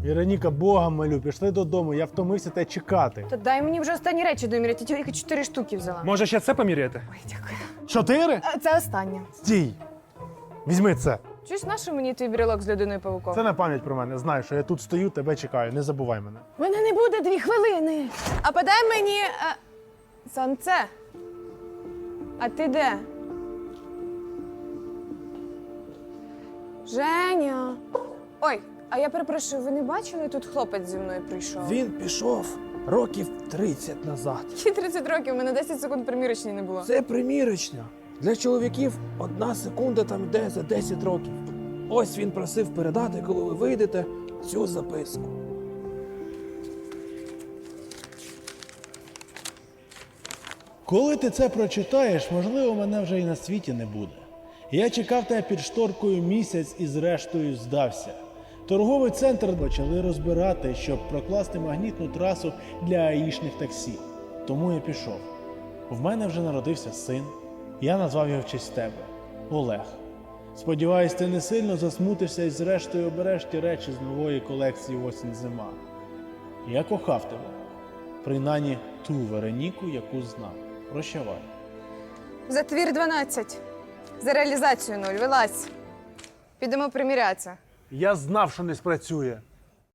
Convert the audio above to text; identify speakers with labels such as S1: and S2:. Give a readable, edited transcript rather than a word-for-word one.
S1: Вероніка, Бога молю, пішли додому, я втомився тебе чекати.
S2: Та дай мені вже останні речі доміряти, я тільки 4 штуки взяла.
S3: Може, ще це поміряти?
S2: Ой, дякую.
S1: 4?
S2: Це останнє.
S1: Стій! Візьми це.
S2: Чуєш, на що мені твій брелок з людиною павуком?
S1: Це на пам'ять про мене. Знай, що я тут стою, тебе чекаю, не забувай мене.
S2: Мене не буде 2 хвилини. А подай мені сонце. А ти де? Женя. Ой, а я перепрошую, ви не бачили, тут хлопець зі мною прийшов?
S4: Він пішов років 30 назад.
S2: Які 30 років, у мене 10 секунд примірочні не було.
S4: Це примірочня. Для чоловіків 1 секунда там йде за 10 років. Ось він просив передати, коли ви вийдете, цю записку.
S1: Коли ти це прочитаєш, можливо, мене вже і на світі не буде. Я чекав тебе під шторкою місяць і зрештою здався. Торговий центр почали розбирати, щоб прокласти магнітну трасу для аїшних таксі. Тому я пішов. В мене вже народився син. Я назвав його в честь тебе – Олег. Сподіваюсь, ти не сильно засмутишся і зрештою обереш ті речі з нової колекції «Осінь-зима». Я кохав тебе. Принаймні ту Вероніку, яку знав. Прощавай.
S2: За твір 12. За реалізацію 0. Вилазь. Підемо примірятися.
S1: Я знав, що не спрацює.